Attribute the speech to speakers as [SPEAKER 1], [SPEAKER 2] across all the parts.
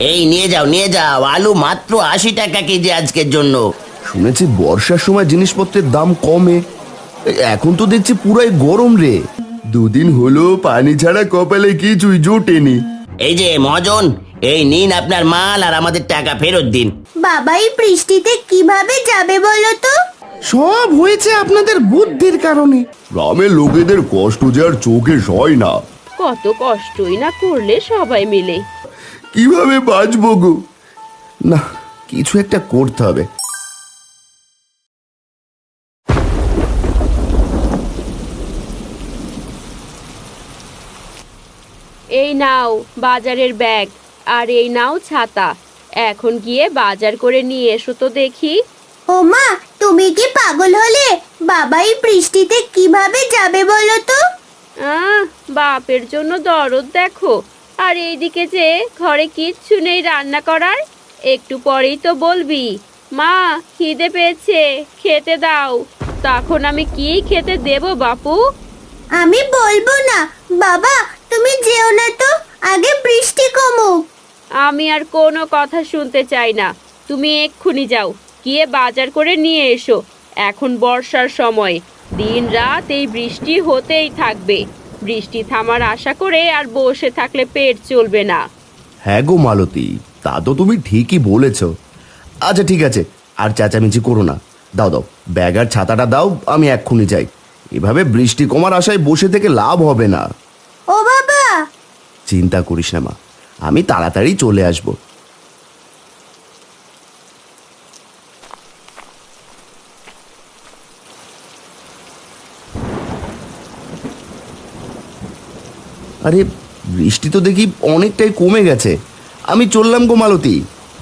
[SPEAKER 1] এই নিয়ে যাও নিয়ে যাও, আলু মাত্র 80 টাকা কেজি আজকের জন্য।
[SPEAKER 2] শুনেছি বর্ষার সময় জিনিসপত্রের দাম কমে, এখন তো দেখছি পুরাই গরম রে। দুদিন হলো পানি ছাড়া কপালে কিছুই জোটেনি।
[SPEAKER 1] এই যে মহাজন, এই নিন আপনার মাল আর আমাদের টাকা ফেরত দিন।
[SPEAKER 3] বাবা এই বৃষ্টিতে কিভাবে যাবে বলো তো?
[SPEAKER 4] সব হয়েছে আপনাদের বুদ্ধির কারণে।
[SPEAKER 2] গ্রামের লোকেদের কষ্ট যে আর চোখে সয় না।
[SPEAKER 5] কত কষ্টই না করলে সবাই মিলে।
[SPEAKER 2] কিভাবে বাঁচবো গো? না, কিছু একটা করতে হবে।
[SPEAKER 5] এই নাও বাজারের ব্যাগ, আর এই নাও ছাতা। এখন গিয়ে বাজার করে নিয়ে এসো তো দেখি।
[SPEAKER 3] ও মা, তুমি কি পাগল হলে? বাবা এই বৃষ্টিতে কিভাবে যাবে বলো তো?
[SPEAKER 5] বাপের জন্য দরদ দেখো। আর এইদিকে যে ঘরে কিচ্ছু নেই রান্না করার। একটু পরেই তো বলবি, মা খিদে পেয়েছে, খেতে দাও। তখন আমি কি খেতে দেব বাপু?
[SPEAKER 3] আমি বলবো না। বাবা তুমি যেও না তো, আগে বৃষ্টি কমুক।
[SPEAKER 5] আমি আর কোনো কথা শুনতে চাই না। তুমি এক্ষুনি যাও, গিয়ে বাজার করে নিয়ে এসো। এখন বর্ষার সময়, দিন রাত এই বৃষ্টি হতেই থাকবে। বৃষ্টি থামার আশা করে আর বসে থাকলে পেট চলবে না।
[SPEAKER 2] হ্যাঁ গো মালতী, তা তো তুমি ঠিকই বলেছ। আচ্ছা ঠিক আছে, আর চেঁচামেচি করো না। দাও দাও, ব্যাগ আর ছাতাটা দাও, আমি এক্ষুনি যাই। এভাবে বৃষ্টি কমার আশায় বসে থেকে লাভ হবে না।
[SPEAKER 3] ও বাবা!
[SPEAKER 2] চিন্তা করিস না মা, আমি তাড়াতাড়ি চলে আসব। আরে বৃষ্টি তো দেখি অনেকটাই কমে গেছে। আমি চললাম গো মালতী।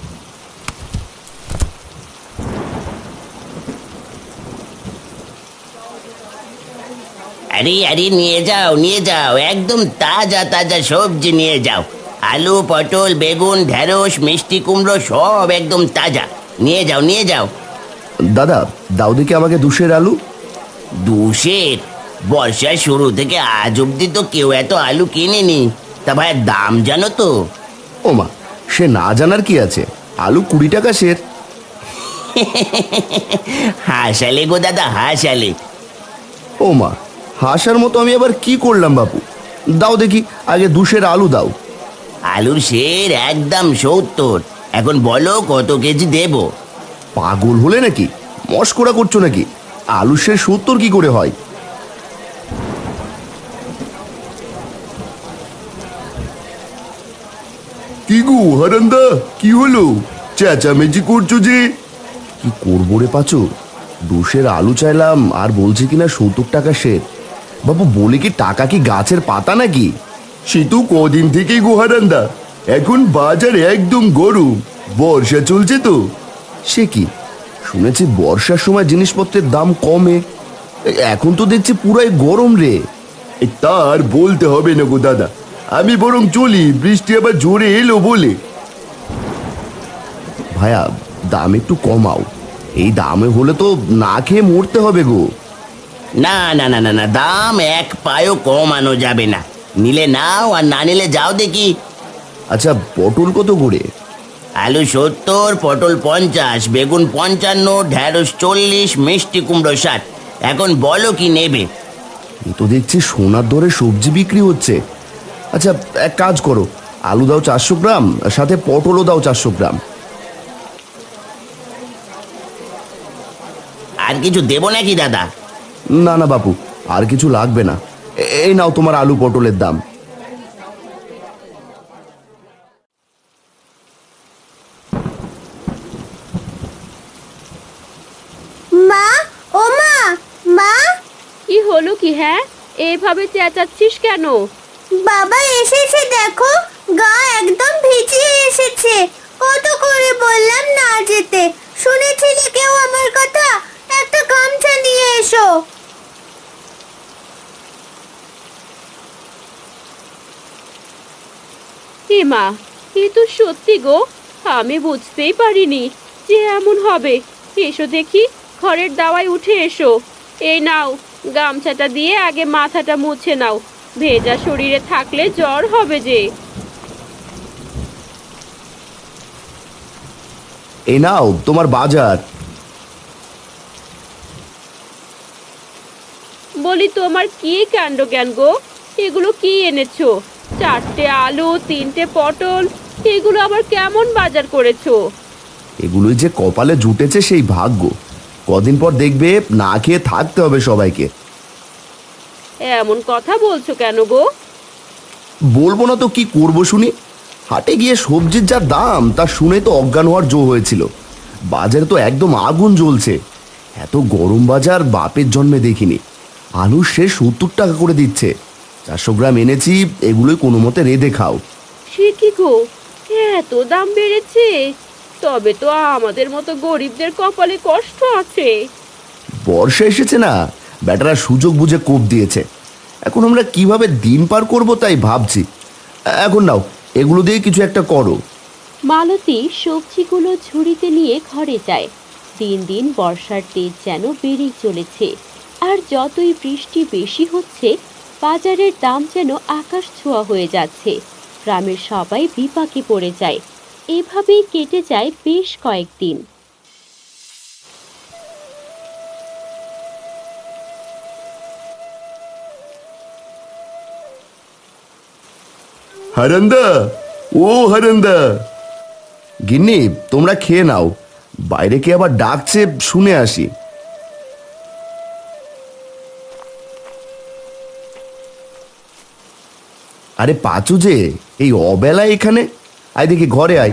[SPEAKER 1] আরে আরে নিয়ে যাও নিয়ে যাও, একদম তাজা তাজা সবজি নিয়ে যাও। আলু, পটল, বেগুন, ঢেঁড়স, মিষ্টি কুমড়ো সব একদম তাজা। নিয়ে যাও নিয়ে যাও।
[SPEAKER 2] দাদা দাও দেখি আমাকে 2 আলু।
[SPEAKER 1] 2 বর্ষার শুরু থেকে আজ অব্দি তো কেউ এত আলু কিনেনি। তা ভাই দাম জানো তো?
[SPEAKER 2] ও মা, সে না জানার কি আছে, আলু 20 টাকা সের।
[SPEAKER 1] হাসালে গো দাদা হাসালে।
[SPEAKER 2] ও মা, হাসার মতো আমি আবার কি করলাম বাপু? দাও দেখি আগে 2 আলু দাও।
[SPEAKER 1] আলুর সের একদম 70। এখন বলো কত কেজি দেব?
[SPEAKER 2] পাগল হলে নাকি? মস্করা করছো নাকি? আলু সে 70 কি করে হয়? কি গো হারান্দা, কি হলো? চেঁচামেচি করছো যে? কি করবো রে পাচু, 2 আলু চাইলাম আর বলছে কিনা 70 টাকা সের। বাবু বলে কি টাকা কি গাছের পাতা নাকি? সে তো কদিন থেকেই গো হারান্দা, এখন বাজার একদম গরম, বর্ষা চলছে তো। সে কি, শুনেছি বর্ষার সময় জিনিসপত্রের দাম কমে, এখন তো দেখছি পুরাই গরম রে। তার বলতে হবে না গো দাদা, আমি বরং চলি, বৃষ্টি আবার জোরে এলো বলে। ভাইয়া দাম একটু কমাও, এই দামে হলে তো না খেয়ে মরতে হবে গো।
[SPEAKER 1] না না না না না, দাম এক পায়ও কমানো যাবে না। নিলে নাও আর না নিলে যাও দেখি।
[SPEAKER 2] আচ্ছা পটল কত করে?
[SPEAKER 1] আলু 70, পটল 50, বেগুন 55, ঢেঁড়স 40, মিষ্টি কুমড়ো 60। এখন বলো কি নেবে?
[SPEAKER 2] এ তো দেখছি সোনার দরে সবজি বিক্রি হচ্ছে। আচ্ছা এক কাজ করো, আলু দাও 400 গ্রাম, সাথে পটলও দাও 400 গ্রাম।
[SPEAKER 1] আর কিছু দেবো নাকি দাদা?
[SPEAKER 2] না না বাপু, আর কিছু লাগবে না। এই নাও তোমার আলু পটলের দাম।
[SPEAKER 3] মা, ও মা, মা!
[SPEAKER 5] কি হলো কি? হ্যাঁ, এভাবে চেঁচাচ্ছিস কেন?
[SPEAKER 3] বাবা এসেছে দেখো, গা একদম ভিজিয়ে এসেছে। কত করে বললাম না যেতে, শুনেছিলে কেউ আমার কথা? একটা গামছা নিয়ে এসো।
[SPEAKER 5] এ মা, এ তো সত্যি গো। আমি বুঝতেই পারিনি যে এমন হবে। এসো দেখি, ঘরের দাওয়ায় উঠে এসো। এই নাও, গামছাটা দিয়ে আগে মাথাটা মুছে নাও। ভেজা শরীরে থাকলে জ্বর হবে যে।
[SPEAKER 2] এই নাও তোমার বাজার।
[SPEAKER 5] বলি তোমার কি কাণ্ড জ্ঞান গো, এগুলো কি এনেছো? 4টে আলু, 3টে পটল, এগুলো আবার কেমন বাজার করেছো?
[SPEAKER 2] এগুলোই যে কপালে জুটেছে সেই ভাগ্য। কদিন পর দেখবে না খেয়ে থাকতে হবে সবাইকে।
[SPEAKER 5] এমন কথা বলছো কেন গো?
[SPEAKER 2] বলবো না তো কি করবো শুনি। হাটে গিয়ে সবজির যা দাম তা শুনে তো অজ্ঞান হওয়ার জো হয়েছিল। বাজারে তো একদম আগুন জ্বলছে। এত গরম বাজার বাপের জন্মে দেখিনি। আলু সে 70 টাকা করে দিচ্ছে। 400 গ্রাম এনেছি, এগুলোই কোনো মতে রেঁধে খাও।
[SPEAKER 5] সে কি গো, এত দাম বেড়েছে? তবে তো আমাদের মতো গরিবদের কপালে কষ্ট আছে।
[SPEAKER 2] বর্ষা এসেছে না, ব্যাটারা সুযোগ বুঝে কোপ দিয়েছে। এখন আমরা কিভাবে দিন পার করব তাই ভাবছি। এখন নাও, এগুলো দিয়ে কিছু একটা করো।
[SPEAKER 5] মালতী সবজিগুলো ঝুড়িতে নিয়ে ঘরে যায়। দিন দিন বর্ষার তেজ যেন বেড়েই চলেছে। আর যতই বৃষ্টি বেশি হচ্ছে, বাজারের দাম যেন আকাশ ছোঁয়া হয়ে যাচ্ছে। গ্রামের সবাই বিপাকে পড়ে যায়। এভাবেই কেটে যায় বেশ কয়েকদিন।
[SPEAKER 2] হারান্দা, ও হারান্দা। গিন্নি, তোমরা খেয়ে নাও। বাইরে কে আবার ডাকছে শুনে আসি। আরে পাচু যে, এই অবেলায় এখানে? আয় দেখি ঘরে আয়।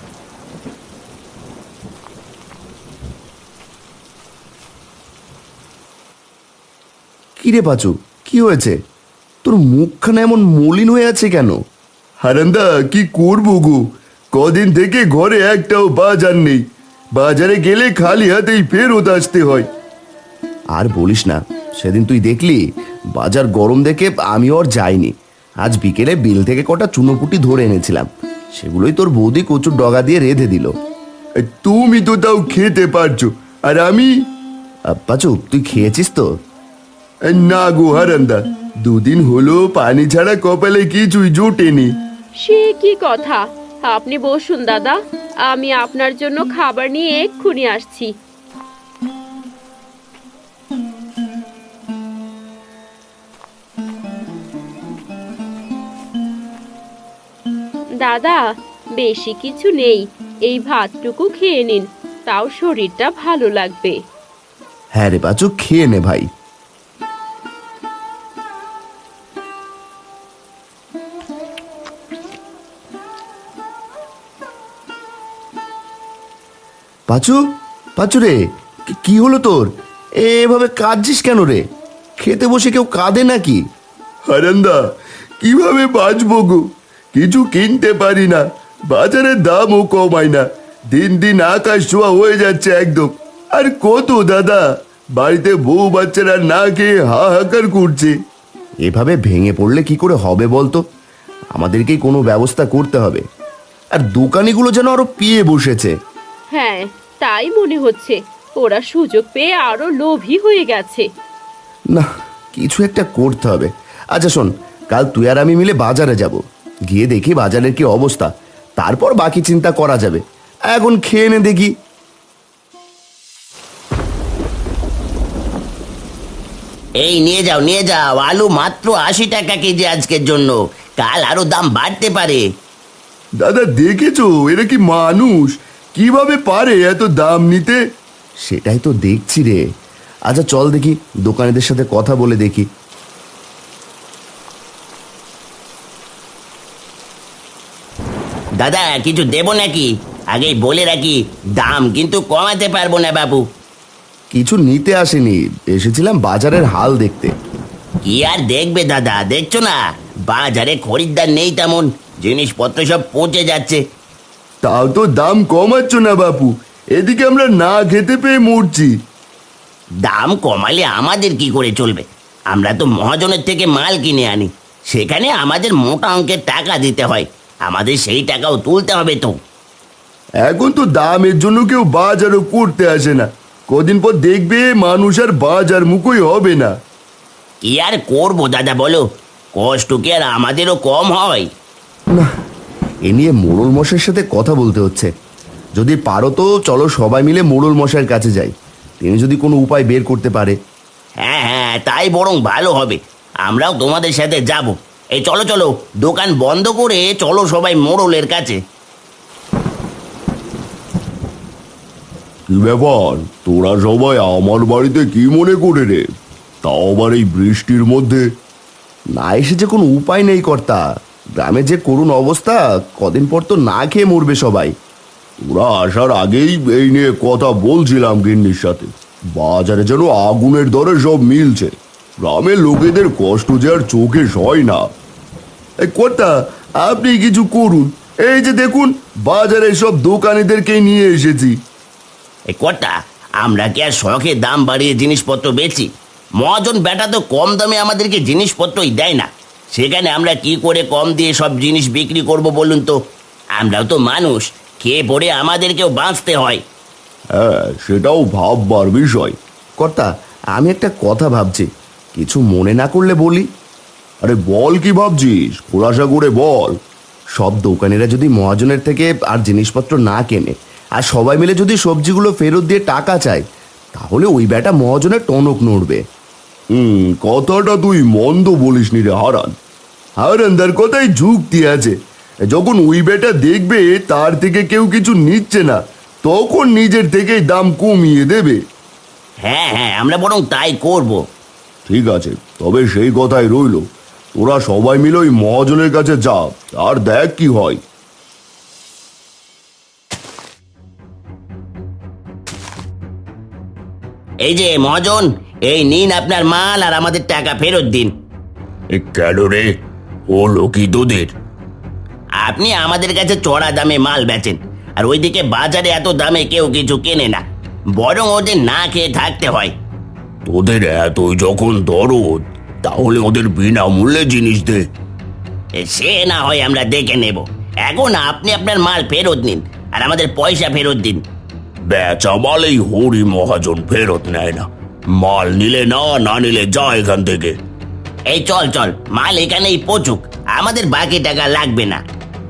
[SPEAKER 2] কিরে পাচু, কি হয়েছে? তোর মুখখানা এমন মলিন হয়ে আছে কেন? হারান্দা, কি করবো গো, কদিন থেকে ঘরে একটাও বাজার নেই। বাজারে গেলে খালি হাতেই ফেরত আসতে হয়। আর বলিস না, সেদিন তুই দেখলি বাজার গরম দেখে আমিও আর যাইনি। আজ বিকেলে বিল থেকে কটা চুনোপুটি ধরে এনেছিলাম, সেগুলোই তোর বৌদি কচুর ডগা দিয়ে রেঁধে দিল। তুমি তো তাও খেতে পারছো, আর আমি? পাচু, তুই খেয়েছিস তো? না গো হারান্দা, দুদিন হলো পানি ছাড়া কপালে কিছুই জোটেনি।
[SPEAKER 5] সে কি কথা? আপনি বসুন দাদা, আমি আপনার জন্য খাবার নিয়ে এক্ষুনি আসছি। দাদা, বেশি কিছু নেই, এই ভাতটুকু খেয়ে নিন, তাও শরীরটা ভালো লাগবে।
[SPEAKER 2] হ্যাঁ রে পাচু, খেয়ে নে ভাই। পাচু, পাচু রে, কি হলো তোর? এভাবে কাঁদছিস কেন রে? খেতে বসে কেউ কাঁদে নাকি? হারান্দা, কিভাবে বাঁচবো গো, কিছু কিনতে পারি না, বাজারের দামও কমায় না। দিন দিন আকাশ ছোঁয়া হয়ে যাচ্ছে একদম। আর কত দাদা, বাড়িতে বউ বাচ্চারা না খেয়ে হাহাকার করছে। এভাবে ভেঙে পড়লে কি করে হবে বলতো? আমাদেরকেই কোনো ব্যবস্থা করতে হবে। আর দোকানিগুলো যেন আরো পিয়ে বসেছে।
[SPEAKER 5] হ্যাঁ, তাই মনে হচ্ছে। ওরা সুযোগ পেয়ে আরো লোভী হয়ে গেছে।
[SPEAKER 2] না, কিছু একটা করতে হবে। আচ্ছা শোন, কাল তুই আর আমি মিলে বাজারে যাব, গিয়ে দেখি বাজারের কি অবস্থা, তারপর বাকি চিন্তা করা যাবে। এখন খেয়ে নে দেখি।
[SPEAKER 1] এই নিয়ে যাও নিয়ে যাও, আলু মাত্র 80 টাকা কেজি আজকের জন্য, কাল আরো দাম বাড়তে পারে।
[SPEAKER 2] দাদা দেখেছো, এরা কি মানুষ? কিভাবে পারে এত দাম নিতে? সেটাই তো দেখছি রে। আচ্ছা চল দেখি, দোকানিদের সাথে কথা বলে দেখি।
[SPEAKER 1] দাদা, কিছু দেবো নাকি? আগেই বলে রাখি, দাম কিন্তু কমাতে পারবো না বাবু।
[SPEAKER 2] কিছু নিতে আসেনি, এসেছিলাম বাজারের হাল দেখতে।
[SPEAKER 1] কি আর দেখবে দাদা, দেখছো না বাজারে খরিদ্দার নেই তেমন, জিনিসপত্র সব পচে যাচ্ছে।
[SPEAKER 2] তাও তো দাম কমাচ্ছ না বাপু, এদিকে আমরা না খেতে পেয়ে মরছি।
[SPEAKER 1] দাম কমালে আমাদের কি করে চলবে? আমরা তো মহাজনের থেকে মাল কিনে আনি, সেখানে আমাদের মোটা অঙ্কের টাকা দিতে হয়, আমাদের সেই টাকাও তুলতে হবে তো।
[SPEAKER 2] এখন তো দামের জন্য কেউ বাজারও করতে আসে না। কদিন পর দেখবে মানুষ আর বাজার মুখই হবে না।
[SPEAKER 1] কি আর করবো দাদা বলো, কষ্ট কি আর আমাদেরও কম হয়?
[SPEAKER 2] না, এ নিয়ে মোড়ল মশাইয়ের সাথে কথা বলতে হচ্ছে। যদি পারো তো চলো সবাই মিলে মোড়ল মশাইয়ের কাছে যাই, তিনি যদি কোনো উপায় বের করতে পারে।
[SPEAKER 1] হ্যাঁ হ্যাঁ, তাই বরং ভালো হবে। আমরাও তোমাদের সাথে যাব। এই চলো চলো, দোকান বন্ধ করে চলো সবাই মোড়লের কাছে।
[SPEAKER 2] কি ব্যাপার, তোরা সবাই আমার বাড়িতে কি মনে করে রে? তাও আবার এই বৃষ্টির মধ্যে। না এসে যে কোনো উপায় নেই কর্তা, গ্রামে যে করুণ অবস্থা, কদিন পর তো না খেয়ে মরবে সবাই। ওরা আসার আগেই এই নিয়ে কথা বলছিলাম গিন্নির সাথে। বাজারে যেন আগুনের দরে সব মিলছে, গ্রামের লোকেদের কষ্ট যে আর চোখে সয় না। এই কর্তা, আপনি কিছু করুন, এই যে দেখুন বাজারে সব দোকানিদেরকেই নিয়ে এসেছি।
[SPEAKER 1] এই কর্তা, আমরা কি আর শখে দাম বাড়িয়ে জিনিসপত্র বেচি? মহাজন বেটা তো কম দামে আমাদেরকে জিনিসপত্রই দেয় না, সেখানে আমরা কি করে কম দিয়ে সব জিনিস বিক্রি করব বলুন তো? আমরাও তো মানুষ, খেয়ে পড়ে আমাদেরকেও বাঁচতে হয়।
[SPEAKER 2] হ্যাঁ, সেটাও ভাববার বিষয়। কর্তা, আমি একটা কথা ভাবছি, কিছু মনে না করলে বলি। আরে বল, কি ভাবছিস? খোলাসা করে বল। সব দোকানিরা যদি মহাজনের থেকে আর জিনিসপত্র না কেনে, আর সবাই মিলে যদি সবজিগুলো ফেরত দিয়ে টাকা চায়, তাহলে ওই বেটা মহাজনের টনক নড়বে। কথাটা তুই মন্দ বলিসনি রে হারান। হারানদার কথাই যুক্তি আছে। যখন ওই বেটা দেখবে তার থেকে কেউ কিছু নিচ্ছে না, তখন নিজের থেকেই দাম কমিয়ে দেবে।
[SPEAKER 1] হ্যাঁ হ্যাঁ, আমরা বরং তাই করব।
[SPEAKER 2] ঠিক আছে, তবে সেই কথাই রইল, তোরা সবাই মিলে ওই মহাজনের কাছে যা, আর দেখ কি হয়।
[SPEAKER 1] এই যে মহাজন, এই নিন আপনার মাল, আর আমাদের টাকা ফেরত দিন।
[SPEAKER 2] কেন রে, হলো কি তোদের?
[SPEAKER 1] আপনি আমাদের কাছে চড়া দামে মাল বেচেন, আর ওইদিকে বাজারে এত দামে কেউ কিছু কেনে না, বরং ওদের না খেয়ে থাকতে হয়।
[SPEAKER 2] তোদের এতই যখন দরদ, তাহলে ওদের বিনামূল্যে জিনিস দে।
[SPEAKER 1] সে না হয় আমরা দেখে নেব, এখন আপনি আপনার মাল ফেরত নিন আর আমাদের পয়সা ফেরত দিন।
[SPEAKER 2] বেচা মাল এই হরি মহাজন ফেরত নেয় না। মাল নিলে না, না নিলে যা এখান থেকে।
[SPEAKER 1] এই চল চল, মাল এখানেই পচুক, আমাদের বাকি টাকা লাগবে না।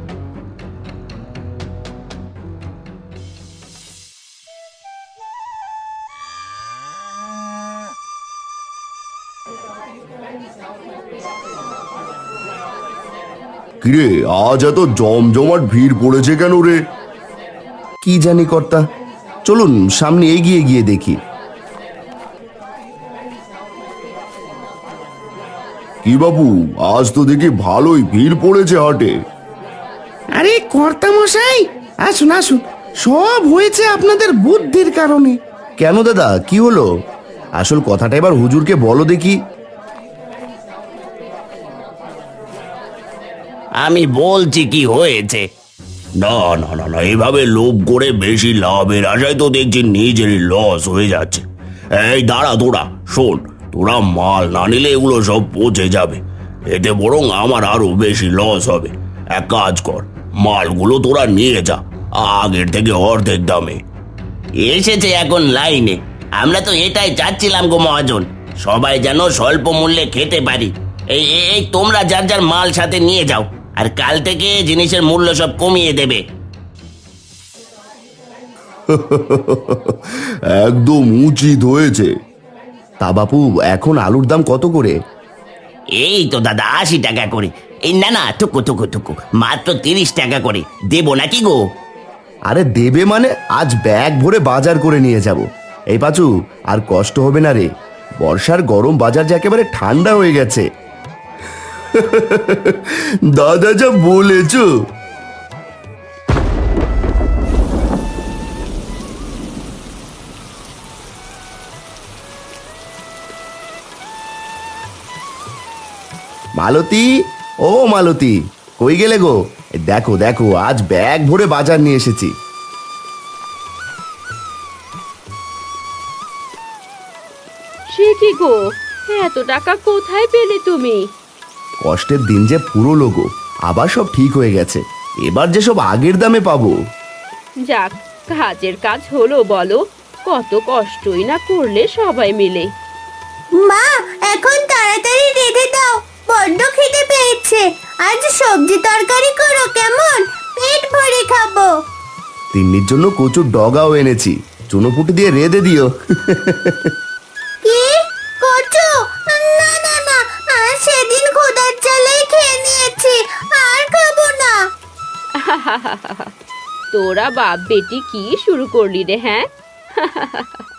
[SPEAKER 2] কিরে, আজ এত জমজমাট ভিড় পড়েছে কেন রে? কি জানি কর্তা, চলুন সামনে এগিয়ে গিয়ে দেখি। কি বাবু, আজ তো দেখি ভালোই ভিড় পড়েছে হাটে।
[SPEAKER 4] আরে কর্তা মশাই, আসুন আসুন, সব হয়েছে আপনাদের বুদ্ধির কারণে।
[SPEAKER 2] কেন দাদা, কি হলো? আসল কথাটা এবার হুজুরকে বলো দেখি।
[SPEAKER 1] আমি বলছি কি হয়েছে।
[SPEAKER 2] না না না না, এভাবে লোভ করে বেশি লাভের আশায় তো দেখছি নিজেরই লস হয়ে যাচ্ছে। এই দাঁড়া, তোরা শোন, তোরা মাল না নিলে এগুলো সব পচে যাবে, এতে বরং আমার আরো বেশি লস হবে। এক কাজ কর, মালগুলো তোরা নিয়ে যা, আগের থেকে অর্ধেক দামে।
[SPEAKER 1] এসেছে এখন লাইনে, আমরা তো এটাই চাচ্ছিলাম গো মহাজন, সবাই যেন স্বল্প মূল্যে খেতে পারি। এই এই তোমরা যার যার মাল সাথে নিয়ে যাও, আর কাল থেকে জিনিসের মূল্য সব কমিয়ে দেবে।
[SPEAKER 2] একদম উচিত হয়েছে। তা বাপু, এখন আলুর দাম কত করে?
[SPEAKER 1] এই তো দাদা 80 টাকা করে। এই না না, টুকু টুকু টুকু, মাত্র 30 টাকা করে দেবো নাকি গো?
[SPEAKER 2] আরে দেবে মানে, আজ ব্যাগ ভরে বাজার করে নিয়ে যাব। এই পাচু, আর কষ্ট হবে না রে, বর্ষার গরম বাজার যে একেবারে ঠান্ডা হয়ে গেছে। দাদা যা বলেছ। মালতী, ও মালতী, কই গেলে গো? দেখো দেখো, আজ ব্যাগ ভরে বাজার নিয়ে এসেছি।
[SPEAKER 5] সে কি গো, এত টাকা কোথায় পেলে তুমি?
[SPEAKER 2] কষ্টের দিন যে পুরো গো, আবার সব ঠিক হয়ে গেছে, এবার যে সব আগের দামে পাবো।
[SPEAKER 5] যাক, কাজের কাজ হলো বলো, কত কষ্টই না করলে সবাই মিলে।
[SPEAKER 3] মা, এখন তাড়াতাড়ি রেঁধে দাও, বড্ড খিদে পেয়েছে। আজ সবজি তরকারি করো কেমন, পেট ভরে খাবো।
[SPEAKER 2] তিন্নির জন্য কচুর ডগাও এনেছি, চুনোপুটি দিয়ে রেঁধে দিও।
[SPEAKER 3] কি কচু? না না না, আর সেদিন খোদার জ্বালায় খেয়ে নিয়েছি, আর খাবো না।
[SPEAKER 5] তোরা বাপ বেটি কি শুরু করলি রে, হ্যাঁ?